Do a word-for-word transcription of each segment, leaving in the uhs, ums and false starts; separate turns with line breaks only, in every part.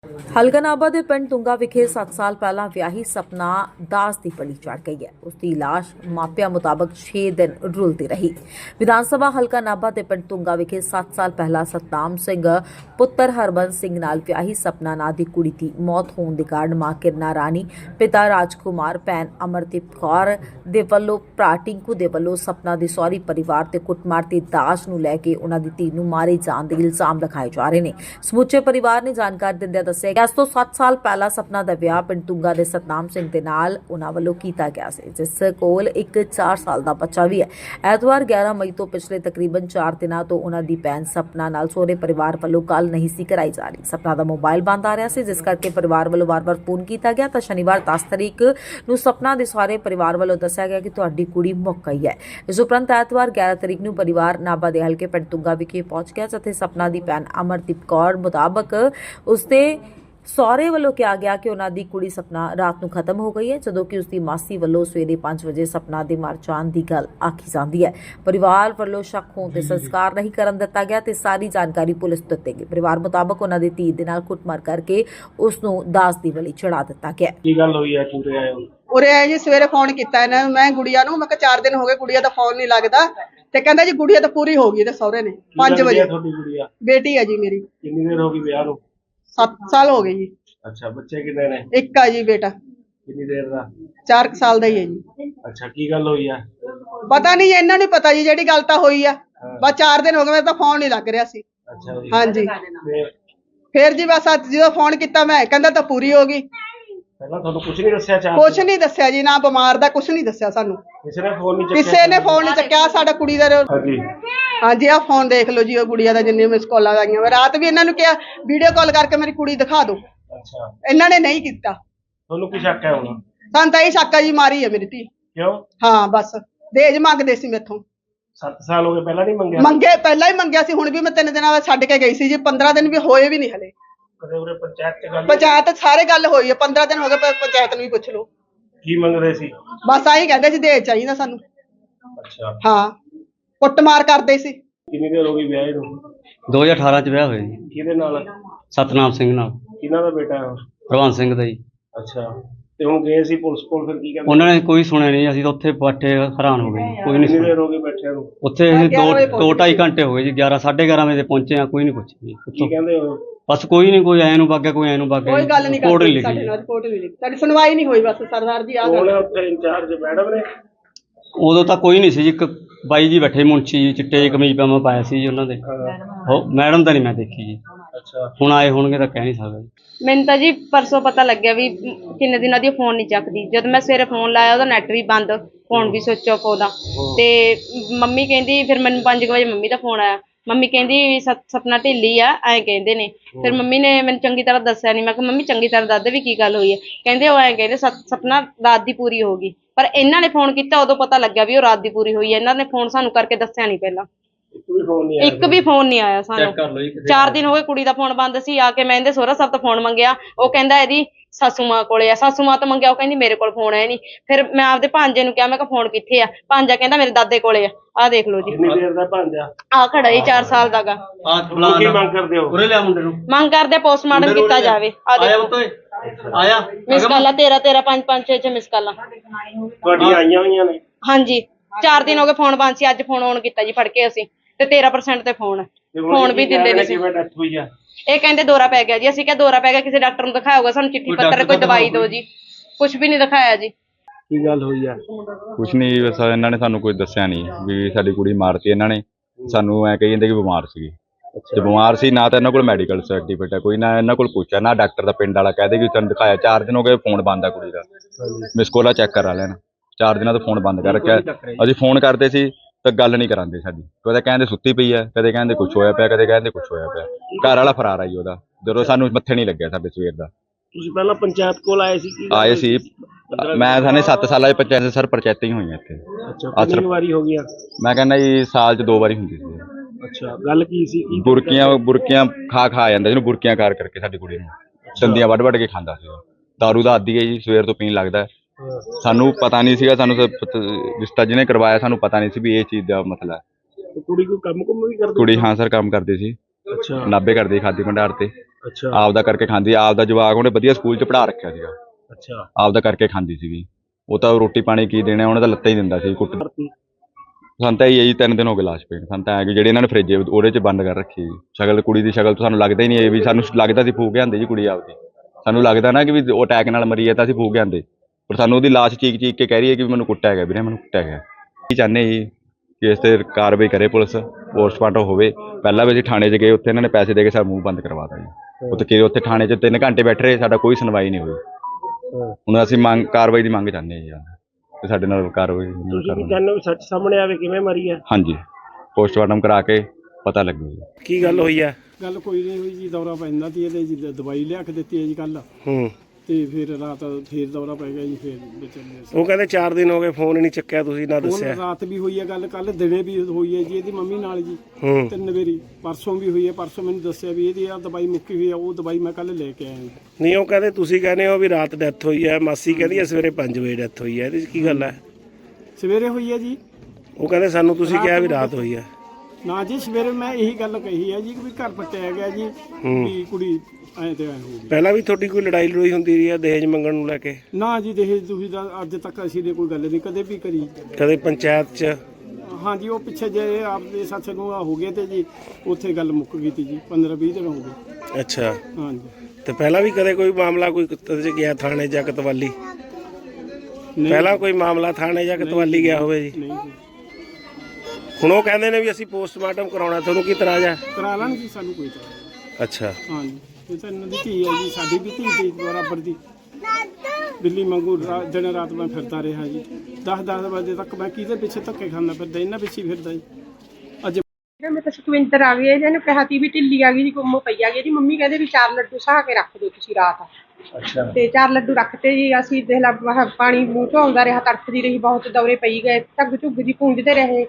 ਹਲਕਾ ਨਾਭਾ ਦੇ ਪਿੰਡ ਤੁੰਗਾ ਵਿਖੇ ਸੱਤ ਸਾਲ ਪਹਿਲਾਂ ਵਿਆਹੀ ਸਪਨਾ ਦਾਸ ਦੀ ਪਲੀ ਚੜ੍ਹ ਗਈ ਹੈ। ਉਸ ਦੀ ਲਾਸ਼ ਮਾਪਿਆਂ ਮੁਤਾਬਕ ਛੇ ਦਿਨ ਰੁਲਦੀ ਰਹੀ। ਵਿਧਾਨ ਸਭਾ ਹਲਕਾ ਨਾਭਾ ਦੇ ਪਿੰਡ ਤੁੰਗਾ ਵਿਖੇ ਸੱਤ ਸਾਲ ਪਹਿਲਾਂ ਸਤਨਾਮ ਸਿੰਘ ਪੁੱਤਰ ਹਰਬੰਸ ਸਿੰਘ ਨਾਲ ਵਿਆਹੀ ਸਪਨਾ ਨਾਂ ਦੀ ਕੁੜੀ ਦੀ ਮੌਤ ਹੋਣ ਦੇ ਕਾਰਨ ਮਾਂ ਕਿਰਨਾ ਰਾਣੀ, ਪਿਤਾ ਰਾਜਕੁਮਾਰ, ਭੈਣ ਅਮਰਦੀਪ ਕੌਰ ਦੇ ਵੱਲੋਂ ਭਰਾ ਟਿੰਕੂ ਦੇ ਵੱਲੋਂ ਸਪਨਾ ਦੇ ਸਹੁਰੇ ਪਰਿਵਾਰ ਤੇ ਕੁੱਟਮਾਰ ਤੇ ਦਾਜ ਨੂੰ ਲੈ ਕੇ ਉਹਨਾਂ ਦੀ ਧੀ ਨੂੰ ਮਾਰੇ ਜਾਣ ਦੇ ਇਲਜ਼ਾਮ ਲਗਾਏ ਜਾ ਰਹੇ ਨੇ। ਸਮੁੱਚੇ ਪਰਿਵਾਰ ਨੇ ਜਾਣਕਾਰੀ ਦਿੰਦਿਆਂ ਦੱਸਿਆ ਕਿ ਇਸ ਤੋਂ ਸੱਤ ਸਾਲ ਪਹਿਲਾਂ ਸਪਨਾ ਦਾ ਵਿਆਹ ਪਿੰਡ ਤੁੰਗਾ ਦੇ ਸਤਨਾਮ ਸਿੰਘ ਦੇ ਨਾਲ ਉਹਨਾਂ ਵੱਲੋਂ ਕੀਤਾ ਗਿਆ ਸੀ, ਜਿਸ ਕੋਲ ਇੱਕ ਚਾਰ ਸਾਲ ਦਾ ਬੱਚਾ ਵੀ ਹੈ। ਐਤਵਾਰ ਗਿਆਰਾਂ ਮਈ ਤੋਂ ਪਿਛਲੇ ਤਕਰੀਬਨ ਚਾਰ ਦਿਨਾਂ ਤੋਂ ਉਹਨਾਂ ਦੀ ਭੈਣ ਸਪਨਾ ਨਾਲ ਸਹੁਰੇ ਪਰਿਵਾਰ ਵੱਲੋਂ ਗੱਲ ਨਹੀਂ ਸੀ ਕਰਾਈ ਜਾ ਰਹੀ। ਸਪਨਾ ਦਾ ਮੋਬਾਈਲ ਬੰਦ ਆ ਰਿਹਾ ਸੀ, ਜਿਸ ਕਰਕੇ ਪਰਿਵਾਰ ਵੱਲੋਂ ਵਾਰ-ਵਾਰ ਫੋਨ ਕੀਤਾ ਗਿਆ ਤਾਂ ਸ਼ਨੀਵਾਰ ਦਸ ਤਰੀਕ ਨੂੰ ਸਪਨਾ ਦੇ ਸਾਰੇ ਪਰਿਵਾਰ ਵੱਲੋਂ ਦੱਸਿਆ ਗਿਆ ਕਿ ਤੁਹਾਡੀ ਕੁੜੀ ਮੁੱਕ ਗਈ ਹੈ। ਇਸ ਉਪਰੰਤ ਐਤਵਾਰ ਗਿਆਰਾਂ ਤਰੀਕ ਨੂੰ ਪਰਿਵਾਰ ਨਾਭਾ ਦੇ ਹਲਕੇ ਪਿੰਡ ਤੁੰਗਾ ਵਿਖੇ ਪਹੁੰਚ ਗਿਆ, ਜਿੱਥੇ ਸਪਨਾ ਦੀ ਭੈਣ ਅਮਰਦੀਪ ਕੌਰ ਮੁਤਾਬਕ ਉਸਦੇ ਸਹੁਰੇ ਵੱਲੋਂ ਕਿਹਾ ਗਿਆ ਕਿ ਉਹਨਾਂ ਦੀ ਕੁੜੀ ਸਪਨਾ ਰਾਤ ਨੂੰ ਖਤਮ ਹੋ ਗਈ ਹੈ, ਜਦੋਂ ਕਿ ਉਸਦੀ ਮਾਸੀ ਵੱਲੋਂ ਸਵੇਰੇ ਪੰਜ ਵਜੇ ਸਪਨਾ ਦੇ ਮਰ ਜਾਣ ਦੀ ਗੱਲ ਆਖੀ ਜਾਂਦੀ ਹੈ। ਪਰਿਵਾਰ ਵੱਲੋਂ ਸ਼ੱਕ ਹੋਣ ਤੇ ਸੰਸਕਾਰ ਨਹੀਂ ਕਰਨ ਦਿੱਤਾ ਗਿਆ ਤੇ ਸਾਰੀ ਜਾਣਕਾਰੀ ਪੁਲਿਸ ਨੂੰ ਦਿੱਤੀ ਗਈ। ਪਰਿਵਾਰ ਮੁਤਾਬਕ ਉਹਨਾਂ ਦੀ ਧੀ ਦੇ ਨਾਲ ਕੁੱਟਮਾਰ ਕਰਕੇ ਉਸ ਨੂੰ ਦਾਸ ਦੀ ਬਲੀ ਚੜਾ ਦਿੱਤਾ ਗਿਆ।
ਕੀ ਗੱਲ ਹੋਈ ਹੈ? ਕਿਉਂ ਆਏ ਹੋ?
ਉਰੇ ਆਏ ਜੀ, ਸਵੇਰੇ ਫੋਨ ਕੀਤਾ ਇਹਨਾਂ ਨੂੰ, ਮੈਂ ਗੁੜੀਆ ਨੂੰ, ਮੈਂ ਕਿਹਾ ਚਾਰ ਦਿਨ ਹੋ ਗਏ ਗੁੜੀਆ ਦਾ ਫੋਨ ਨਹੀਂ ਲੱਗਦਾ, ਤੇ ਕਹਿੰਦਾ ਜੀ ਗੁੜੀਆ ਤਾਂ ਪੂਰੀ ਹੋ ਗਈ ਤੇ ਸਹੁਰੇ ਨੇ ਪੰਜ ਵਜੇ।
ਤੁਹਾਡੀ ਗੁੜੀਆ
ਬੇਟੀ ਹੈ ਜੀ ਮੇਰੀ।
ਕਿੰਨੀ ਦੇਰ ਹੋ ਗਈ ਵਿਆਹ ਨੂੰ?
ਸੱਤ ਸਾਲ ਹੋ ਗਏ ਜੀ।
ਅੱਛਾ, ਬੱਚੇ ਕਿੰਨੇ ਨੇ?
ਇੱਕ ਆ ਜੀ ਬੇਟਾ,
ਕਿੰਨੀ ਦੇਰ ਦਾ?
ਚਾਰ ਕੁ ਸਾਲ ਦਾ ਹੀ ਹੈ ਜੀ।
ਅੱਛਾ, ਕੀ ਗੱਲ ਹੋਈ ਹੈ?
ਪਤਾ ਨਹੀਂ, ਇਹਨਾਂ ਨੂੰ ਪਤਾ ਜੀ ਜਿਹੜੀ ਗੱਲ ਤਾਂ ਹੋਈ ਆ। ਬਸ ਚਾਰ ਦਿਨ ਹੋ ਗਏ, ਮੇਰਾ ਤਾਂ ਫੋਨ ਨਹੀਂ ਲੱਗ ਰਿਹਾ ਸੀ।
ਅੱਛਾ ਜੀ।
ਹਾਂਜੀ,
ਫਿਰ
ਫਿਰ ਜੀ ਬਸ ਅੱਜ ਜਦੋਂ ਫੋਨ ਕੀਤਾ ਮੈਂ, ਕਹਿੰਦਾ ਤਾਂ ਪੂਰੀ ਹੋ ਗਈ।
ਪਹਿਲਾਂ ਤੁਹਾਨੂੰ ਕੁਝ ਨਹੀਂ ਦੱਸਿਆ? ਚਾਰ
ਕੁਛ ਨਹੀਂ ਦੱਸਿਆ ਜੀ, ਨਾ ਬਿਮਾਰ ਦਾ ਕੁਛ ਨਹੀਂ ਦੱਸਿਆ ਸਾਨੂੰ।
ਕਿਸੇ ਨੇ ਫੋਨ ਨਹੀਂ ਚੱਕਿਆ?
ਕਿਸੇ ਨੇ ਫੋਨ ਨਹੀਂ ਚੱਕਿਆ। ਸਾਡਾ ਕੁੜੀ ਦਾ
ਹਾਂਜੀ
ਹਾਂਜੀ ਆਹ ਫੋਨ ਦੇਖ ਲਓ ਜੀ, ਉਹ ਗੁੜੀਆ ਦਾ ਜਿੰਨੇ ਮਿਸ ਕਾਲਾਂ ਆਈਆਂ। ਮੈਂ ਰਾਤ ਵੀ ਇਹਨਾਂ ਨੂੰ ਕਿਹਾ ਵੀਡੀਓ ਕਾਲ ਕਰਕੇ ਮੇਰੀ ਕੁੜੀ ਦਿਖਾ ਦਿਓ,
ਅੱਛਾ,
ਇਹਨਾਂ ਨੇ ਨਹੀਂ ਕੀਤਾ।
ਤੁਹਾਨੂੰ ਕੀ ਸ਼ੱਕ ਹੈ ਹੁਣ?
ਸਾਨੂੰ ਤਾਂ ਇਹ ਸ਼ੱਕ ਆ ਜੀ, ਮਾਰੀ ਹੈ ਮੇਰੀ ਧੀ।
ਕਿਉਂ?
ਹਾਂ ਬਸ ਦਹੇਜ ਮੰਗਦੇ ਸੀ ਮੇਥੋਂ।
ਸੱਤ ਸਾਲ ਹੋ ਗਏ, ਪਹਿਲਾਂ ਨਹੀਂ ਮੰਗਿਆ?
ਮੰਗੇ ਪਹਿਲਾਂ ਹੀ ਮੰਗਿਆ ਸੀ, ਹੁਣ ਵੀ ਮੈਂ ਤਿੰਨ ਦਿਨਾਂ ਬਾਅਦ ਛੱਡ ਕੇ ਗਈ ਸੀ ਜੀ। ਪੰਦਰਾਂ ਦਿਨ ਵੀ ਹੋਏ ਵੀ ਨਹੀਂ ਹਲੇ।
ਕਦੇ ਉਰੇ ਪੰਚਾਇਤ ਚ ਗੱਲ?
ਪੰਚਾਇਤ ਸਾਰੇ ਗੱਲ ਹੋਈ ਹੈ, ਪੰਦਰਾਂ ਦਿਨ ਹੋ ਗਏ, ਪਰ ਪੰਚਾਇਤ ਨੂੰ ਵੀ ਪੁੱਛ ਲਓ।
ਕੀ ਮੰਗਦੇ ਸੀ?
ਬਸ ਆਹੀ ਕਹਿੰਦੇ ਸੀ ਦਹੇਜ ਚਾਹੀਦਾ ਸਾਨੂੰ।
ਅੱਛਾ,
ਹਾਂ, ਕੁੱਟਮਾਰ ਕਰਦੇ ਸੀ।
ਕਿੰਨੀ ਦੇਰ ਹੋ ਗਈ ਵਿਆਹ ਨੂੰ?
ਦੋ ਹਜ਼ਾਰ ਅਠਾਰਾਂ ਚ ਵਿਆਹ ਹੋਇਆ ਜੀ
ਕਿਹਦੇ ਨਾਲ?
ਸਤਨਾਮ ਸਿੰਘ ਨਾਲ।
ਕਿਹਨਾਂ ਦਾ ਬੇਟਾ ਹੈ ਉਹ?
ਹਰਬੰਸ ਸਿੰਘ ਦਾ ਜੀ।
ਅੱਛਾ, ਤੇ ਹੁਣ ਗਏ ਸੀ ਪੁਲਿਸ ਕੋਲ, ਫਿਰ ਕੀ ਕਹਿੰਦੇ?
ਉਹਨਾਂ ਨੇ ਕੋਈ ਸੁਣਿਆ ਨਹੀਂ, ਅਸੀਂ ਤਾਂ ਉੱਥੇ ਬੈਠੇ ਹੈਰਾਨ ਹੋ ਗਏ ਜੀ, ਕੋਈ ਨਹੀਂ
ਕਿੰਨੀ
ਸੁਣਿਆ।
ਦੇਰ ਹੋ ਗਈ ਬੈਠਿਆਂ ਨੂੰ?
ਉੱਥੇ ਅਸੀਂ ਦੋ ਦੋ ਢਾਈ ਘੰਟੇ ਹੋ ਗਏ ਜੀ, ਗਿਆਰਾਂ ਸਾਢੇ ਗਿਆਰਾਂ ਵਜੇ ਪਹੁੰਚੇ ਆ, ਕੋਈ ਨਹੀਂ ਪੁੱਛਿਆ ਜੀ
ਕੀ
ਉੱਥੋਂ।
ਕਹਿੰਦੇ ਹੋ?
ਬਸ ਕੋਈ ਨਹੀਂ, ਕੋਈ ਐ ਨੂੰ ਵਗ ਗਿਆ, ਕੋਈ ਐ ਨੂੰ ਵਗ ਗਿਆ,
ਕੋਈ ਗੱਲ ਨਹੀਂ
ਰਿਪੋਰਟ
ਕਰਦੇ
ਨਹੀਂ
ਸਾਡੇ
ਲਿਖੀ।
ਨਾਲ, ਰਿਪੋਰਟ ਨਹੀਂ ਲਿਖੀ, ਸਾਡੀ ਸੁਣਵਾਈ ਨਹੀਂ ਹੋਈ। ਬਸ ਸਰਦਾਰ ਜੀ ਆ
ਕੌਣ
ਗੱਲ।
ਹੈ ਉੱਥੇ ਇੰਚਾਰਜ? ਮੈਡਮ ਨੇ?
ਉਦੋਂ ਤਾਂ ਕੋਈ ਨਹੀਂ ਸੀ ਜੀ, ਇੱਕ ਬਾਈ ਜੀ ਬੈਠੇ ਮੁੰਸ਼ੀ ਜੀ, ਚਿੱਟੇ ਜਿਹੇ ਕਮੀਜ਼ ਪਾਵਾਂ ਪਾਇਆ ਸੀ ਜੀ ਉਹਨਾਂ ਦੇ। ਉਹ ਮੈਡਮ ਤਾਂ ਨਹੀਂ ਮੈਂ ਦੇਖੀ ਜੀ,
ਅੱਛਾ,
ਹੁਣ ਆਏ ਹੋਣਗੇ ਤਾਂ ਕਹਿ ਨਹੀਂ ਸਕਦਾ ਜੀ।
ਮੈਨੂੰ ਤਾਂ ਜੀ ਪਰਸੋਂ ਪਤਾ ਲੱਗਿਆ ਵੀ ਕਿੰਨੇ ਦਿਨਾਂ ਦੀ ਫੋਨ ਨਹੀਂ ਚੱਕਦੀ। ਜਦ ਮੈਂ ਸਵੇਰੇ ਫੋਨ ਲਾਇਆ ਉਹਦਾ ਨੈਟ ਵੀ ਬੰਦ, ਫੋਨ ਵੀ ਸਵਿਚ ਆਫ ਉਹਦਾ। ਤੇ ਮੰਮੀ ਕਹਿੰਦੀ, ਫਿਰ ਮੈਨੂੰ ਪੰਜ ਵਜੇ ਮੰਮੀ ਦਾ ਫੋਨ ਆਇਆ। ਮੰਮੀ ਕਹਿੰਦੀ ਵੀ ਸਤ ਸਪਨਾ ਢਿੱਲੀ ਆ, ਐਂ ਕਹਿੰਦੇ ਨੇ। ਫਿਰ ਮੰਮੀ ਨੇ ਮੈਨੂੰ ਚੰਗੀ ਤਰ੍ਹਾਂ ਦੱਸਿਆ ਨਹੀਂ। ਮੈਂ ਕਿਹਾ ਮੰਮੀ ਚੰਗੀ ਤਰ੍ਹਾਂ ਦੱਸ ਦੇ ਵੀ ਕੀ ਗੱਲ ਹੋਈ ਹੈ। ਕਹਿੰਦੇ ਉਹ ਐਂ ਕਹਿੰਦੇ ਸਤ ਸਪਨਾ ਰਾਤ ਦੀ ਪੂਰੀ ਹੋ ਗਈ। ਪਰ ਇਹਨਾਂ ਨੇ ਫੋਨ ਕੀਤਾ, ਉਦੋਂ ਪਤਾ ਲੱਗਿਆ ਵੀ ਉਹ ਰਾਤ ਦੀ ਪੂਰੀ ਹੋਈ ਹੈ। ਇਹਨਾਂ ਨੇ ਫੋਨ ਸਾਨੂੰ ਕਰਕੇ ਦੱਸਿਆ ਨਹੀਂ ਪਹਿਲਾਂ।
ਇੱਕ ਵੀ ਫੋਨ ਨਹੀਂ ਆਇਆ?
ਇੱਕ ਵੀ ਫੋਨ ਨਹੀਂ ਆਇਆ
ਚੈੱਕ
ਸਾਨੂੰ।
ਕਰ ਲਓ ਜੀ ਕਿਸੇ
ਚਾਰ ਦਿਨ ਹੋ ਗਏ, ਕੁੜੀ ਦਾ ਫੋਨ ਬੰਦ ਸੀ। ਆ ਕੇ ਮੈਂ ਇਹਦੇ ਸਹੁਰਾ ਸਾਹਿਬ ਤੋਂ ਫੋਨ ਮੰਗਿਆ, ਉਹ ਕਹਿੰਦਾ ਇਹਦੀ ਸਾਸੂ ਮਾਂ ਕੋਲੇ ਆ। ਸਾਸੂ ਮਾਂ ਤੋਂ ਮੰਗਿਆ, ਉਹ ਕਹਿੰਦੀ ਮੇਰੇ ਕੋਲ ਫੋਨ ਹੈ ਨਹੀਂ। ਫਿਰ ਮੈਂ ਆਪਦੇ ਭਾਂਜੇ ਨੂੰ ਕਿਹਾ, ਮੈਂ ਕਿਹਾ ਫੋਨ ਕਿੱਥੇ ਆ? ਭਾਂਜਾ ਕਹਿੰਦਾ ਮੇਰੇ ਦਾਦੇ ਕੋਲੇ ਆ। ਆਹ ਦੇਖ ਲਓ ਜੀ,
ਕਿੰਨੀ ਦੇਰ ਦਾ ਭਾਂਜਾ?
ਆਹ ਖੜਾ ਹੀ ਚਾਰ ਸਾਲ ਦਾ ਗਾ।
ਆਹ
ਤੁਸੀਂ ਕੀ ਮੰਗ ਕਰਦੇ ਹੋ?
ਉਰੇ ਲਿਆ ਮੁੰਡੇ ਨੂੰ।
ਮੰਗ ਕਰਦੇ ਪੋਸਟਮਾਰਟਮ ਕੀਤਾ ਜਾਵੇ। ਆਹ
ਆਇਆ
ਦੇਖੋ
ਉੱਤੇ ਆਇਆ
ਮਿਸ ਕਾਲਾਂ ਤੇਰਾਂ ਤੇਰਾਂ ਪੰਜ ਪੰਜ ਛੇ ਛੇ ਮਿਸ ਕਾਲਾਂ।
ਤੁਹਾਡੀਆਂ ਆਈਆਂ ਹੋਈਆਂ ਨੇ?
ਹਾਂਜੀ, ਚਾਰ ਦਿਨ ਹੋ ਗਏ ਫੋਨ ਬੰਦ ਸੀ। ਅੱਜ ਫੋਨ ਆਨ ਕੀਤਾ ਜੀ ਫੜ ਕੇ ਅਸੀਂ, ਤੇ ਤੇਰਾਂ ਪਰਸੈਂਟ ਤੇ ਫੋਨ ਫੋਨ ਵੀ ਦਿੰਦੇ ਨੇ ਸੀ।
ਕਿਵੇਂ ਡੈਥ ਹੋਈ ਆ?
ਇਹ ਕਹਿੰਦੇ ਦੌਰਾ ਪੈ ਗਿਆ ਜੀ। ਅਸੀਂ ਕਿਹਾ ਦੌਰਾ ਪੈ ਗਿਆ, ਕਿਸੇ ਡਾਕਟਰ ਨੂੰ ਦਿਖਾਇਆ ਹੋਊਗਾ, ਸਾਨੂੰ ਚਿੱਠੀ ਪੱਤਰ ਕੋਈ ਦਵਾਈ ਦਿਓ ਜੀ। ਕੁਝ ਵੀ ਨਹੀਂ ਦਿਖਾਇਆ ਜੀ।
ਕੀ ਗੱਲ ਹੋਈ ਆ?
ਕੁਛ ਨਹੀਂ, ਬਸ ਇਹਨਾਂ ਨੇ ਸਾਨੂੰ ਕੋਈ ਦੱਸਿਆ ਨਹੀਂ ਵੀ ਸਾਡੀ ਕੁੜੀ ਮਾਰਤੀ। ਇਹਨਾਂ ਨੇ ਸਾਨੂੰ ਐ ਕਹੀ ਜਾਂਦੇ ਕਿ ਬਿਮਾਰ ਸੀਗੀ। ਜੇ ਬਿਮਾਰ ਸੀ ਨਾ ਤਾਂ ਇਹਨਾਂ ਕੋਲ ਮੈਡੀਕਲ ਸਰਟੀਫਿਕੇਟ ਹੈ ਕੋਈ, ਨਾ ਇਹਨਾਂ ਕੋਲ ਪੁੱਛਿਆ, ਨਾ ਡਾਕਟਰ ਦਾ ਪਿੰਡ ਵਾਲਾ ਕਹਦੇ ਕਿ ਤੁਹਾਨੂੰ ਦਿਖਾਇਆ। ਚਾਰ ਦਿਨ ਹੋ ਗਏ, ਫੋਨ ਬੰਦ ਆ ਕੁੜੀ ਦਾ। ਮਿਸ ਕੋਲਾ ਚੈੱਕ ਕਰਾ ਲੈਣ, ਚਾਰ ਦਿਨਾਂ ਤੋਂ ਫੋਨ ਬੰਦ ਕਰ ਰੱਖਿਆ। ਅਸੀਂ ਫੋਨ ਕਰਦੇ ਸੀ ਤਾਂ ਗੱਲ ਨਹੀਂ ਕਰਾਂਦੇ ਸਾਡੀ। ਕਦੇ ਕਹਿੰਦੇ ਸੁੱਤੀ ਪਈ ਹੈ, ਕਦੇ ਕਹਿੰਦੇ ਕੁਛ ਹੋਇਆ ਪਿਆ, ਕਦੇ ਕਹਿੰਦੇ ਕੁਛ ਹੋਇਆ ਪਿਆ। ਘਰ ਵਾਲਾ ਫਰਾਰ ਆਈ ਉਹਦਾ, ਜਦੋਂ ਸਾਨੂੰ ਮੱਥੇ ਨਹੀਂ ਲੱਗਿਆ ਸਾਡੇ ਸਵੇਰ ਦਾ।
ਤੁਸੀਂ ਪਹਿਲਾਂ ਪੰਚਾਇਤ ਕੋਲ ਆਏ ਸੀ? ਕੀ ਗੱਲ
ਆਏ
ਹੋਈ?
ਸੀ ਮੈਂ ਸਾਨੇ ਸੱਤ ਸਾਲਾਂ ਦੀ ਪੰਚਾਇਤ ਸਰ ਪੰਚਾਇਤਾਂ ਹੋਈਆਂ ਇੱਥੇ।
ਅੱਛਾ, ਕਿੰਨੀ ਵਾਰੀ ਹੋ ਗਿਆ?
ਮੈਂ ਕਹਿੰਦਾ ਜੀ ਸਾਲ 'ਚ ਦੋ ਵਾਰੀ ਹੁੰਦੀ ਸੀ।
ਅੱਛਾ, ਗੱਲ ਕੀ ਸੀ? ਕੀ
ਬੁਰਕੀਆਂ ਬੁਰਕੀਆਂ ਖਾ ਖਾ ਜਾਂਦਾ ਜਿਹਨੂੰ ਬੁਰਕੀਆਂ ਕਾਰ ਕਰਕੇ ਸਾਡੀ ਕੁੜੀ ਨੂੰ ਦੰਦੀਆਂ ਵੱਢ ਵੱਢ ਕੇ ਖਾਂਦਾ ਸੀ। ਦਾਰੂ ਦਾ ਆਦੀ ਹੈ ਜੀ, ਸਵੇਰ ਤੋਂ ਪੀਣ ਲੱਗਦਾ। ਸਾਨੂੰ ਪਤਾ ਨਹੀਂ ਸੀਗਾ, ਸਾਨੂੰ ਰਿਸ਼ਤਾ ਜਿਹਨੇ ਕਰਵਾਇਆ ਸਾਨੂੰ ਪਤਾ ਨਹੀਂ ਸੀ ਵੀ ਇਹ ਚੀਜ਼ ਦਾ ਮਸਲਾ ਹੈ।
ਕੁੜੀ ਕੋਈ ਕੰਮ ਕੁੰਮ ਵੀ ਕਰਦੀ?
ਕੁੜੀ ਹਾਂ ਸਰ ਕੰਮ ਕਰਦੀ ਸੀ,
ਅੱਛਾ,
ਨਾਭੇ ਕਰਦੀ ਖਾਦੀ ਭੰਡਾਰ ਤੇ।
ਅੱਛਾ
ਆਪਦਾ ਕਰਕੇ ਖਾਂਦੀ, ਆਪਦਾ ਜਵਾਕ ਉਹਨੇ ਵਧੀਆ ਸਕੂਲ 'ਚ ਪੜ੍ਹਾ ਰੱਖਿਆ ਸੀਗਾ,
ਅੱਛਾ
ਆਪਦਾ ਕਰਕੇ ਖਾਂਦੀ ਸੀਗੀ। ਉਹ ਤਾਂ ਰੋਟੀ ਪਾਣੀ ਕੀ ਦੇਣਾ, ਉਹਨੇ ਤਾਂ ਲੱਤਾਂ ਹੀ ਦਿੰਦਾ ਸੀ ਕੁੱਟ।
ਭਰਤੀ
ਸਾਨੂੰ ਤਾਂ ਇਹ ਜੀ ਤਿੰਨ ਦਿਨ ਹੋ ਗਏ ਲਾਸ਼ ਪਈ ਨੂੰ। ਸਾਨੂੰ ਤਾਂ ਐਂ ਕਿ ਜਿਹੜੇ ਇਹਨਾਂ ਨੇ ਫਰਿੱਜ ਉਹਦੇ 'ਚ ਬੰਦ ਕਰ ਰੱਖੀ ਜੀ। ਸ਼ਕਲ ਕੁੜੀ ਦੀ ਸ਼ਕਲ ਤੋਂ ਸਾਨੂੰ ਲੱਗਦਾ ਹੀ ਨਹੀਂ ਇਹ ਵੀ, ਸਾਨੂੰ ਲੱਗਦਾ ਸੀ ਫੂਕ ਕੇ ਆਂਦੇ ਜੀ ਕੁੜੀ ਆਪਦੀ। ਸਾਨੂੰ ਲੱਗਦਾ ਨਾ ਕਿ ਵੀ ਉਹ ਅਟੈਕ ਨਾਲ ਮਰੀ ਹੈ ਤਾਂ ਅਸੀਂ ਫੂਕ ਕੇ ਆਂਦੇ, ਪਰ ਸਾਨੂੰ ਉਹਦੀ ਲਾਸ਼ ਚੀਕ ਚੀਕ ਕੇ ਕਹਿ ਰਹੀ ਹੈ ਕਿ ਮੈਨੂੰ ਕੁੱਟਿਆ ਗਿਆ ਵੀਰੇ, ਮੈਨੂੰ ਕੁੱਟਿਆ ਗਿਆ। ਕੀ ਚਾਹੁੰਦੇ ਜੀ ਕਿ ਇਸ 'ਤੇ ਕਾਰਵਾਈ ਕਰੇ ਪੁਲਿਸ, ਪੋਸਟਮਾਰਟਮ ਹੋਵੇ। ਪਹਿਲਾਂ ਵੀ ਅਸੀਂ ਥਾਣੇ 'ਚ ਗਏ, ਉੱਥੇ ਇਹਨਾਂ ਨੇ ਪੈਸੇ ਦੇ ਕੇ ਸਾਡਾ ਮੂੰਹ ਬੰਦ ਕਰਵਾਤਾ ਜੀ। ਉੱਥੇ ਕਿ ਉੱਥੇ ਥਾਣੇ 'ਚ ਤਿੰਨ ਘੰਟੇ ਬੈਠੇ ਰਹੇ, ਸਾਡਾ ਕੋਈ ਸੁਣਵਾਈ ਨਹੀਂ ਹੋਈ। ਹੁਣ ਅਸੀਂ ਮੰਗ ਕਾਰਵਾਈ ਦੀ ਮੰਗ ਚਾਹੁੰਦੇ ਹਾਂ ਜੀ, ਤੇ ਸਾਡੇ ਨਾਲ ਕਾਰਵਾਈ ਨਹੀਂ
ਤੁਸੀਂ ਕੀ
ਕਰਵਾਉਣੀ।
ਚਾਹੁੰਦੇ ਹੋ ਵੀ ਸੱਚ ਸਾਹਮਣੇ ਆਵੇ ਕਿਵੇਂ ਮਰੀ ਹੈ?
ਹਾਂਜੀ, ਪੋਸਟਮਾਰਟਮ ਕਰਾ ਕੇ ਪਤਾ ਲੱਗੂਗਾ।
ਕੀ ਗੱਲ ਹੋਈ ਹੈ?
ਗੱਲ ਕੋਈ ਨਹੀਂ ਹੋਈ ਜੀ, ਦੌਰਾ ਪੈਂਦਾ ਸੀ ਇਹਦੇ ਜੀ, ਦਵਾਈ ਲਿਆ ਕੇ ਦਿੱਤੀ ਹੈ ਜੀ ਕੱਲ,
ਹੂੰ
ਤੇ ਫਿਰ ਰਾਤ ਫਿਰ ਦੌਰਾ ਪੈ ਗਿਆ ਜੀ, ਫਿਰ ਵਿਚਾਲੇ
ਉਹ ਕਹਿੰਦੇ ਚਾਰ ਦਿਨ ਹੋ ਗਏ ਫੋਨ ਹੀ ਨਹੀਂ ਚੱਕਿਆ, ਤੁਸੀਂ ਨਾ
ਹੁਣ
ਦੱਸਿਆ।
ਰਾਤ ਵੀ ਹੋਈ ਹੈ ਗੱਲ, ਕੱਲ ਦਿਨੇ ਵੀ ਹੋਈ ਹੈ ਜੀ ਇਹਦੀ ਮੰਮੀ ਨਾਲ ਜੀ,
ਹੂੰ
ਤਿੰਨ ਵਾਰੀ। ਪਰਸੋਂ ਵੀ ਹੋਈ ਹੈ, ਪਰਸੋਂ ਮੈਨੂੰ ਦੱਸਿਆ ਵੀ ਇਹਦੀ ਆ ਦਵਾਈ ਮੁੱਕੀ ਹੋਈ ਹੈ, ਉਹ ਦਵਾਈ ਮੈਂ ਕੱਲ ਲੈ ਕੇ ਆਇਆ ਜੀ।
ਨਹੀਂ ਉਹ ਕਹਿੰਦੇ ਤੁਸੀਂ ਕਹਿੰਦੇ ਹੋ ਵੀ ਰਾਤ ਡੈਥ ਹੋਈ ਹੈ, ਮਾਸੀ ਕਹਿੰਦੀ ਹੈ ਸਵੇਰੇ ਪੰਜ ਵਜੇ ਡੈਥ ਹੋਈ ਹੈ, ਇਹਦੇ 'ਚ ਕੀ ਗੱਲ ਹੈ?
ਸਵੇਰੇ ਹੋਈ ਹੈ ਜੀ।
ਉਹ ਕਹਿੰਦੇ ਸਾਨੂੰ ਤੁਸੀਂ ਕਿਹਾ ਵੀ ਰਾਤ ਹੋਈ ਹੈ।
ਨਾ ਜੀ, ਸਵੇਰੇ ਮੈਂ ਇਹੀ ਗੱਲ ਕਹੀ ਹੈ ਜੀ ਕਿ ਵੀ ਘਰ ਪੱਟਿਆ ਗਿਆ ਜੀ, ਵੀ ਕੁੜੀ ਐਂ ਤੇ ਐਂ ਹੋ ਗਈ।
ਪਹਿਲਾਂ ਵੀ ਤੁਹਾਡੀ ਕੋਈ ਲੜਾਈ ਲੜੋਈ ਹੁੰਦੀ ਰਹੀ ਹੈ ਦਹੇਜ ਮੰਗਣ ਨੂੰ ਲੈ ਕੇ?
ਨਾ ਜੀ, ਦਹੇਜ ਤੁਸੀਂ ਦਾ ਅੱਜ ਤੱਕ ਅਸੀਂ ਨੇ ਕੋਈ ਗੱਲ ਨਹੀਂ ਕਦੇ ਵੀ ਕਰੀ।
ਕਦੇ ਪੰਚਾਇਤ 'ਚ?
ਹਾਂਜੀ, ਉਹ ਪਿੱਛੇ ਜੇ ਆਪਦੇ ਸੱਸ ਨੂੰ ਆ ਹੋ ਗਏ ਤੇ ਜੀ ਉੱਥੇ ਗੱਲ ਮੁੱਕ ਗਈ ਤੀ ਜੀ, ਪੰਦਰਾਂ ਵੀਹ ਦਿਨ ਹੋ ਗਏ।
ਅੱਛਾ,
ਹਾਂਜੀ।
ਤੇ ਪਹਿਲਾਂ ਵੀ ਕਦੇ ਕੋਈ ਮਾਮਲਾ ਕੋਈ ਕੁੱਤੇ 'ਚ ਗਿਆ ਥਾਣੇ ਜਾਂ ਕਤਵਾਲੀ?
ਨਹੀਂ
ਪਹਿਲਾਂ ਕੋਈ ਮਾਮਲਾ ਥਾਣੇ ਜਾਂ ਕਤਵਾਲੀ ਗਿਆ ਹੋਵੇ ਜੀ?
ਨਹੀਂ ਜੀ,
ਹੁਣ ਉਹ ਕਹਿੰਦੇ ਨੇ ਵੀ ਅਸੀਂ ਪੋਸਟਮਾਰਟਮ ਕਰਾਉਣਾ, ਤੁਹਾਨੂੰ ਕੀ ਇਤਰਾਜ਼ ਹੈ?
ਕਰਾ ਲੈਣ ਜੀ, ਸਾਨੂੰ ਕੋਈ ਤਰ੍ਹਾਂ।
ਅੱਛਾ,
ਹਾਂਜੀ, ਇਹ ਤਾਂ ਇਹਨਾਂ ਦੀ ਧੀ ਹੈ ਜੀ, ਸਾਡੀ ਵੀ ਧੀ ਦੀ ਬਰਾਬਰ ਦੀ। ਦਿੱਲੀ ਵਾਂਗੂ ਰਾ- ਦਿਨ ਰਾਤ ਮੈਂ ਫਿਰਦਾ ਰਿਹਾ ਜੀ, ਦਸ ਦਸ ਵਜੇ ਤੱਕ ਮੈਂ ਕਿਹਦੇ ਪਿੱਛੇ ਧੱਕੇ ਖਾਂਦਾ ਫਿਰਦਾ, ਇਹਨਾਂ ਪਿੱਛੇ ਹੀ ਫਿਰਦਾ ਜੀ। ਅੱਜ
ਮੈਂ ਤਾਂ ਸੁਖਵਿੰਦਰ ਆ ਗਈ, ਇਹਨੂੰ ਕਿਹਾ ਤੀ ਵੀ ਢਿੱਲੀ ਆ ਗਈ ਜੀ, ਗੁੰਮ ਪਈ ਆ ਗਈ। ਇਹਦੀ ਮੰਮੀ ਕਹਿੰਦੇ ਵੀ ਚਾਰ ਲੱਡੂ ਸਾਹ ਕੇ ਰੱਖ ਦਿਓ ਤੁਸੀਂ ਰਾਤ।
ਅੱਛਾ।
ਤੇ ਚਾਰ ਲੱਡੂ ਰੱਖਤੇ ਜੀ, ਅਸੀਂ ਦੇਖ ਲਾ ਆਹ ਪਾਣੀ ਮੂੰਹ ਤੋਂ ਆਉਂਦਾ ਰਿਹਾ, ਤੜਫਦੀ ਰਹੀ, ਬਹੁਤ ਦੌਰੇ ਪਈ ਗਏ, ਝੱਗ ਝੁੱਗ ਜੀ ਪੂੰਝਦੇ ਰਹੇ।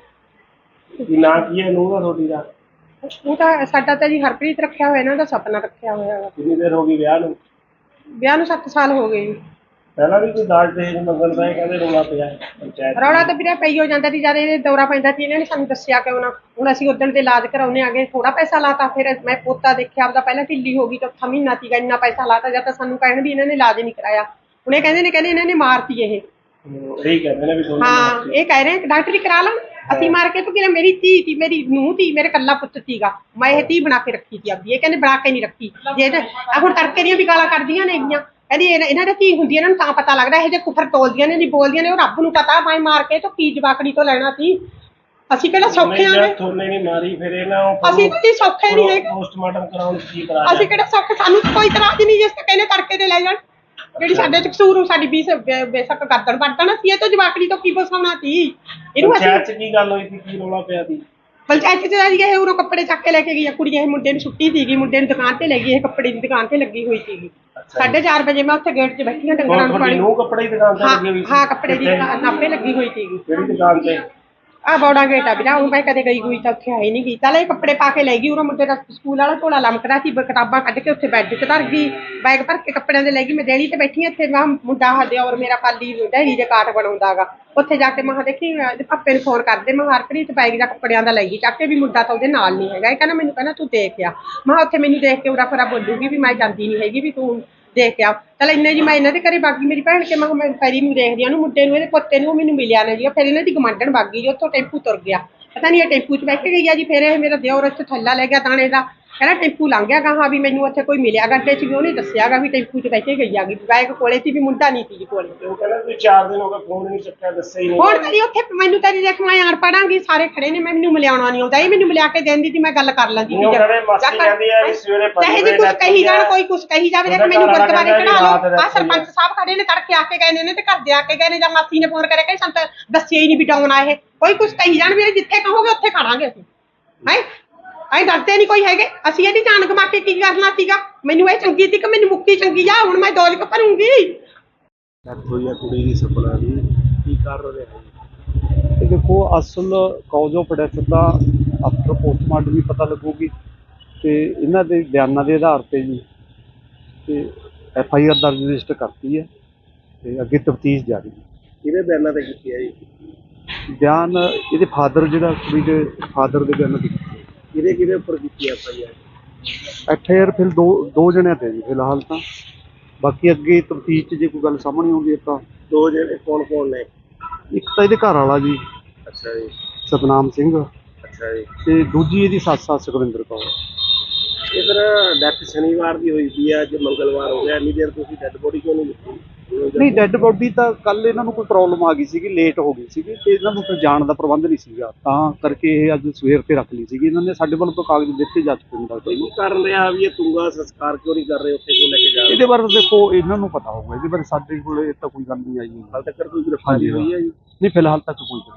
ਕੀ ਨਾਂ ਕੀ ਹੈ ਨੂੰਹ ਦਾ ਤੁਹਾਡੀ ਦਾ?
ਉਹ ਤਾਂ ਸਾਡਾ ਤਾਂ ਜੀ ਹਰਪ੍ਰੀਤ ਰੱਖਿਆ ਹੋਇਆ, ਇਹਨਾਂ ਦਾ ਸਪਨਾ ਰੱਖਿਆ ਹੋਇਆ ਵਾ।
ਕਿੰਨੀ ਦੇਰ ਹੋ ਗਈ ਵਿਆਹ ਨੂੰ?
ਵਿਆਹ ਨੂੰ ਸੱਤ ਸਾਲ ਹੋ ਗਏ ਜੀ।
ਪਹਿਲਾਂ ਵੀ ਕੋਈ ਦਾਜ ਦਹੇਜ ਮੰਗਣ ਦਾ ਇਹ ਕਹਿੰਦੇ ਰੌਲਾ ਪਿਆ ਪੰਚਾਇਤ?
ਰੌਲਾ ਤਾਂ ਵੀਰੇ ਪਈ ਹੋ ਜਾਂਦਾ ਸੀ, ਜਦ ਇਹ ਦੌਰਾ ਪੈਂਦਾ ਸੀ ਇਹਨਾਂ ਨੇ ਸਾਨੂੰ ਦੱਸਿਆ ਕਿ ਉਹਨਾਂ ਹੁਣ ਅਸੀਂ ਉਦਣ ਦੇ ਇਲਾਜ ਕਰਾਉਣੇ ਆ ਗਏ, ਥੋੜਾ ਪੈਸਾ ਲਾਤਾ। ਫਿਰ ਮੈਂ ਪੋਤਾ ਦੇਖਿਆ ਆਪਦਾ, ਪਹਿਲਾਂ ਢਿੱਲੀ ਹੋ ਗਈ, ਚੌਥਾ ਮਹੀਨਾ ਸੀਗਾ, ਇੰਨਾ ਪੈਸਾ ਲਾਤਾ। ਜਦ ਤਾਂ ਸਾਨੂੰ ਕਹਿਣ ਵੀ ਇਹਨਾਂ ਨੇ ਇਲਾਜ ਨਹੀਂ ਕਰਾਇਆ, ਹੁਣ ਇਹ ਕਹਿੰਦੇ ਨੇ ਕਹਿੰਦੇ ਇਹਨਾਂ ਨੇ ਮਾਰਤੀ ਇਹ।
ਇਹੀ ਕਹਿੰਦੇ ਨੇ ਵੀ ਦੋਨੋਂ
ਹਾਂ, ਇਹ ਕਹਿ ਰਹੇ ਡਾਕਟਰੀ ਕਰਾ ਲਾਂ, ਅਸੀਂ ਮਾਰ ਕੇ ਤੂੰ ਕਿਹਾ ਮੇਰੀ ਧੀ ਤੀ, ਮੇਰੀ ਨੂੰਹ ਤੀ, ਮੇਰੇ ਕੱਲਾ ਪੁੱਤ ਸੀਗਾ, ਮੈਂ ਇਹ ਧੀ ਬਣਾ ਕੇ ਰੱਖੀ ਸੀ ਆਪਦੀ। ਇਹ ਕਹਿੰਦੇ ਬਣਾ ਕੇ ਨਹੀਂ ਰੱਖੀ। ਜੇ ਆ ਹੁਣ ਤੜਕੇ ਦੀਆਂ ਵੀ ਗਾਲਾਂ ਕੱਢਦੀਆਂ ਨੇ ਹੈਗੀਆਂ, ਕਹਿੰਦੀ ਇਹਨਾਂ ਦੀ ਧੀ ਹੁੰਦੀ, ਇਹਨਾਂ ਨੂੰ ਤਾਂ ਪਤਾ ਲੱਗਦਾ, ਇਹ ਜੇ ਕੁਫਰ ਤੋਲਦੀਆਂ ਨੇ, ਨਹੀਂ ਬੋਲਦੀਆਂ ਨੇ, ਉਹ ਰੱਬ ਨੂੰ ਪਤਾ। ਮੈਂ ਮਾਰ ਕੇ ਤੋਂ ਕੀ ਜਵਾਕੜੀ ਤੋਂ ਲੈਣਾ ਸੀ, ਅਸੀਂ ਕਿਹੜਾ ਸੌਖੇ ਆਂ?
ਥੋਨੇ ਨਹੀਂ ਮਾਰੀ ਫਿਰ ਇਹਨਾਂ
ਅਸੀਂ ਤਾਂ ਜੀ ਸੌਖੇ ਨਹੀਂ ਹੈਗੇ,
ਪੋਸਟਮਾਰਟਮ ਕਰਾਉਣ ਦੀ ਕੀ ਕਰਾ?
ਅਸੀਂ ਕਿਹੜਾ ਸੌਖੇ, ਸਾਨੂੰ ਕੋਈ ਤਰ੍ਹਾਂ ਦੀ ਨਹੀਂ ਜਿਸ ਤੇ ਕਹਿੰਦੇ ਤੜਕੇ ਤੇ ਲੈ ਜਾਣ। ਜਿਹੜੀ ਸਾਡੇ ਚ ਕਸੂਰ ਨੂੰ ਸਾਡੀ ਬੀਸ ਬੇਸ਼ੱਕ ਗਰਦਨ ਵੱਢਣਾ ਸੀ, ਇਹ ਤੋਂ ਜਵਾਕੜੀ ਤੋਂ ਕੀ ਬਸਾਉਣਾ ਸੀ ਇਹਨੂੰ? ਅਸੀਂ
ਪੰਚਾਇਤ 'ਚ ਕੀ ਗੱਲ ਹੋਈ ਸੀ, ਕੀ ਰੌਲਾ ਪਿਆ ਸੀ?
ਪੰਚਾਇਤ ਚ ਜੀ ਇਹ ਉਰੋਂ ਕੱਪੜੇ ਚੱਕ ਕੇ ਲੈ ਕੇ ਗਈ ਆ ਕੁੜੀ, ਇਹ ਮੁੰਡੇ ਨੂੰ ਛੁੱਟੀ ਸੀਗੀ, ਮੁੰਡੇ ਨੂੰ ਦੁਕਾਨ ਤੇ ਲੈ ਗਈ, ਇਹ ਕੱਪੜੇ ਦੀ ਦੁਕਾਨ ਤੇ ਲੱਗੀ ਹੋਈ ਸੀਗੀ। ਸਾਢੇ ਚਾਰ ਵਜੇ ਮੈਂ ਉੱਥੇ ਗੇਟ 'ਚ ਬੈਠੀ ਹਾਂ, ਡੰਗਰਾਂ ਨੂੰ ਪਾਣੀ।
ਨੂੰ ਕੱਪੜੇ ਦੀ ਦੁਕਾਨ ਤੇ ਲੱਗੀ ਹੋਈ ਸੀ?
ਹਾਂ, ਕੱਪੜੇ ਦੀ ਨਾਪੇ ਲੱਗੀ ਹੋਈ ਸੀਗੀ।
ਕਿਹੜੀ ਦੁਕਾਨ ਤੇ?
ਆ ਬੌੜਾ ਗੇਟ ਆ ਵੀਰਾ, ਉਹ ਮੈਂ ਕਦੇ ਗਈ ਹੋਈ ਤਾਂ ਉੱਥੇ ਆਈ ਨਹੀਂ ਗਈ। ਚੱਲ ਇਹ ਕੱਪੜੇ ਪਾ ਕੇ ਲੈ ਗਈ, ਉਰੋਂ ਮੁੰਡੇ ਦਾ ਸਕੂਲ ਵਾਲਾ ਝੋਲਾ ਲਮਕਦਾ ਸੀ, ਕਿਤਾਬਾਂ ਕੱਢ ਕੇ ਉੱਥੇ ਬੈੱਡ 'ਚ ਧਰ ਗਈ, ਬੈਗ ਭਰ ਕੇ ਕੱਪੜਿਆਂ ਦੇ ਲੈ ਗਈ। ਮੈਂ ਦੇਣੀ ਤੇ ਬੈਠੀ ਇੱਥੇ, ਮੈਂ ਮੁੰਡਾ ਹੱਦੇ ਔਰ ਮੇਰਾ ਪਾਲੀ ਡੈਰੀ ਦੇ ਕਾਟ ਬਣਾਉਂਦਾ ਗਾ। ਉੱਥੇ ਜਾ ਕੇ ਮੈਂ ਦੇਖੀ ਪਾਪੇ ਨੂੰ ਫੋਨ ਕਰਦੇ, ਮੈਂ ਹਰਪ੍ਰੀਤ ਬੈਗ ਦਾ ਕੱਪੜਿਆਂ ਦਾ ਲੈ ਗਈ ਚੱਕ ਕੇ, ਵੀ ਮੁੰਡਾ ਤਾਂ ਉਹਦੇ ਨਾਲ ਨਹੀਂ ਹੈਗਾ। ਇਹ ਕਹਿੰਦਾ ਮੈਨੂੰ ਕਹਿੰਦਾ ਤੂੰ ਦੇਖ ਆ। ਮੈਂ ਉੱਥੇ ਮੈਨੂੰ ਦੇਖ ਕੇ ਉਰਾ ਫਰਾ ਬੋਲੂਗੀ ਵੀ ਮੈਂ ਜਾਂਦੀ ਨਹੀਂ ਹੈਗੀ, ਵੀ ਤੂੰ ਦੇਖ ਕੇ ਆ। ਚੱਲ ਇੰਨੇ ਜੀ ਮੈਂ ਇਹਨਾਂ ਦੇ ਘਰੇ ਬਾਗੀ, ਮੇਰੀ ਭੈਣ ਕੇ ਮੈਂ ਮੈਂ ਫੈਰੀ ਨੂੰ ਦੇਖਦੀ ਉਹਨੂੰ, ਮੁੰਡੇ ਨੂੰ, ਇਹਦੇ ਪੋਤੇ ਨੂੰ ਮੈਨੂੰ ਮਿਲਿਆ ਨਾ ਜੀ। ਫਿਰ ਇਹਨਾਂ ਦੀ ਗਮਾਂਡਣ ਬਾਗੀ ਜੀ, ਉੱਥੋਂ ਟੈਂਪੂ ਤੁਰ ਗਿਆ, ਪਤਾ ਨਹੀਂ ਇਹ ਟੈਂਪੂ 'ਚ ਬੈਠ ਕੇ ਗਈ ਆ ਜੀ। ਫਿਰ ਇਹ ਮੇਰਾ ਦਿਓਰ ਇੱਥੇ ਥੱਲਾ ਲੈ ਗਿਆ ਦਾਣੇ ਦਾ, ਕਹਿੰਦਾ ਟੈਂਪੂ ਲੰਘ ਗਿਆ ਗਾਹਾਂ, ਵੀ ਮੈਨੂੰ ਉੱਥੇ ਕੋਈ ਮਿਲਿਆ ਗੱਡੇ 'ਚ, ਵੀ ਉਹਨੇ ਦੱਸਿਆਗਾ ਵੀ ਟੈਂਪੂ 'ਚ ਬੈਠ ਕੇ ਗਈ ਆ ਗਈ। ਬੈਗ ਕੋਲੇ ਸੀ, ਵੀ ਮੁੰਡਾ ਨਹੀਂ ਸੀ ਜੀ ਕੋਲੇ।
ਉਹ ਕਹਿੰਦਾ ਵੀ ਚਾਰ ਦਿਨ ਹੋ ਗਏ ਫੋਨ ਨਹੀਂ ਚੱਕਿਆ, ਦੱਸਿਆ ਹੀ ਨਹੀਂ।
ਹੁਣ ਕਰੀ ਉੱਥੇ ਮੈਨੂੰ ਤਾਂ ਦੇਖ ਮੈਂ ਆਣ ਪੜਾਂਗੀ, ਸਾਰੇ ਖੜੇ ਨੇ, ਮੈਂ ਮੈਨੂੰ ਮਿਲਿਆਉਣਾ ਨਹੀਂ ਆਉਂਦਾ। ਇਹ ਮੈਨੂੰ ਮਿਲਿਆ ਕੇ ਦੇਂਦੀ ਸੀ, ਮੈਂ ਗੱਲ ਕਰ ਲੈਂਦੀ
ਉਹ ਕਹਿੰਦੇ ਮਾਸੀ ਕਹਿੰਦੀ ਆ ਵੀ ਸਵੇਰੇ ਪੰਜ
ਚਾਹੇ ਜੀ ਕੁਝ ਕਹੀ ਜਾਣ, ਕੋਈ ਕੁਝ ਕਹੀ ਜਾਵੇ, ਦੇਖ ਮੈਨੂੰ ਗੁਰਦੁਆਰੇ ਚੜਾ ਲਓ। ਆ ਸਰਪੰਚ ਸਾਹਿਬ ਖੜੇ ਨੇ, ਤੜਕੇ ਆ ਕੇ ਗਏ ਨੇ ਤੇ ਘਰ ਦੇ ਆ ਕੇ ਗਏ ਨੇ, ਜਾਂ ਮਾਸੀ ਨੇ ਫੋਨ ਕਰਿਆ ਕਿ ਸਾਨੂੰ ਤਾਂ ਦੱਸਿਆ ਹੀ ਨਹੀਂ ਵੀ ਡਾਉਣ ਆਏ। ਕੋਈ ਕੁਝ ਕਹੀ ਜਾਣ, ਵੀ ਜਿੱਥੇ ਕਹੋਗੇ ਉੱਥੇ ਖੜਾਂਗੇ ਅਸੀਂ। ਹੈ ਅਸੀਂ ਡਰਦੇ ਨਹੀਂ ਕੋਈ ਹੈਗੇ। ਅਸੀਂ ਇਹਦੀ ਜਾਨ ਗਵਾ ਕੇ ਕੀ ਕਰਨਾ ਸੀਗਾ? ਮੈਨੂੰ ਇਹ ਚੰਗੀ ਸੀ ਕਿ ਮੈਨੂੰ ਮੁਕਤੀ ਚੰਗੀ ਆ, ਹੁਣ ਮੈਂ ਦੌਲਤ ਕ ਭਰੂੰਗੀ।
ਡੈਥ ਹੋਈ ਆ ਕੁੜੀ ਦੀ ਸਪਨਾ ਦੀ, ਕੀ ਕਰ ਰਹੇ ਹੋ?
ਤੇ ਦੇਖੋ, ਅਸਲ ਕਾਜ਼ ਆਫ ਡੈਥ ਤਾਂ ਆਫਟਰ ਪੋਸਟਮਾਰਟਮ ਵੀ ਪਤਾ ਲੱਗੂਗੀ, ਤੇ ਇਹਨਾਂ ਦੇ ਬਿਆਨਾਂ ਦੇ ਆਧਾਰ ਤੇ ਜੀ ਤੇ ਐਫ ਆਈ ਆਰ ਦਰਜ ਰਜਿਸਟਰ ਕਰਤੀ ਹੈ, ਤੇ ਅੱਗੇ ਤਫਤੀਸ਼ ਜਾਰੀ ਹੈ।
ਕਿਹਦੇ ਬਿਆਨਾਂ ਤੇ ਕੀਤੀ ਹੈ ਜੀ?
ਬਿਆਨ ਇਹਦੇ ਫਾਦਰ, ਜਿਹੜਾ ਕੁੜੀ ਦੇ ਫਾਦਰ ਦੇ ਬਿਆਨਾਂ ਤੇ
ਕਿਹਦੇ ਕਿਹਦੇ ਉੱਪਰ ਕੀਤੀ F I R?
F I R ਫਿਰ ਦੋ ਦੋ ਜਣਿਆਂ ਤੇ ਜੀ ਫਿਲਹਾਲ ਤਾਂ, ਬਾਕੀ ਅੱਗੇ ਤਫਤੀਸ਼ 'ਚ ਜੇ ਕੋਈ ਗੱਲ ਸਾਹਮਣੇ ਆਉਂਦੀ ਹੈ ਤਾਂ।
ਦੋ ਜਿਹੜੇ ਕੌਣ ਕੌਣ ਨੇ?
ਇੱਕ ਤਾਂ ਇਹਦੇ ਘਰ ਵਾਲਾ ਜੀ
ਅੱਛਾ ਜੀ।
ਸਤਨਾਮ ਸਿੰਘ,
ਅੱਛਾ ਜੀ।
ਤੇ ਦੂਜੀ ਇਹਦੀ ਸੱਸ ਆ ਸੁਖਵਿੰਦਰ ਕੌਰ।
ਇਹ ਫਿਰ ਡੈਥ ਸ਼ਨੀਵਾਰ ਦੀ ਹੋਈ ਸੀ, ਅੱਜ ਮੰਗਲਵਾਰ ਹੋ ਗਿਆ, ਇੰਨੀ ਦੇਰ ਤੁਸੀਂ ਡੈੱਡ ਬੋਡੀ ਕਿਉਂ ਨਹੀਂ ਦਿੱਤੀ?
ਨਹੀਂ, ਡੈੱਡ ਬੋਡੀ ਤਾਂ ਕੱਲ ਇਹਨਾਂ ਨੂੰ ਕੋਈ ਪ੍ਰੋਬਲਮ ਆ ਗਈ ਸੀਗੀ, ਲੇਟ ਹੋ ਗਈ ਸੀਗੀ ਤੇ ਇਹਨਾਂ ਨੂੰ ਫਿਰ ਜਾਣ ਦਾ ਪ੍ਰਬੰਧ ਨਹੀਂ ਸੀਗਾ, ਤਾਂ ਕਰਕੇ ਇਹ ਅੱਜ ਸਵੇਰ ਤੇ ਰੱਖ ਲਈ ਸੀਗੀ ਇਹਨਾਂ ਨੇ। ਸਾਡੇ ਵੱਲੋਂ ਤਾਂ ਕਾਗਜ਼ ਦਿੱਤੇ ਜਾ ਚੁੱਕੇ ਨੇ ਡਾਕਟਰ ਨੂੰ।
ਕੀ ਕਾਰਨ ਰਿਹਾ ਵੀ ਇਹ ਤੁੰਗਾ ਸੰਸਕਾਰ ਕਿਉਂ ਨਹੀਂ ਕਰ ਰਹੇ ਉੱਥੇ ਕਿਉਂ ਲੈ ਕੇ ਜਾ ਰਹੇ?
ਇਹਦੇ ਬਾਰੇ ਤਾਂ ਦੇਖੋ ਇਹਨਾਂ ਨੂੰ ਪਤਾ ਹੋਊਗਾ, ਇਹਦੇ ਬਾਰੇ ਸਾਡੇ ਕੋਲ ਇਹ ਤਾਂ ਕੋਈ ਗੱਲ ਨਹੀਂ ਆਈ।
ਹਾਲ ਤੱਕ ਕੋਈ ਗ੍ਰਿਫਤਾਰੀ ਹੋਈ ਹੈ ਜੀ?
ਨਹੀਂ, ਫਿਲਹਾਲ ਤੱਕ ਕੋਈ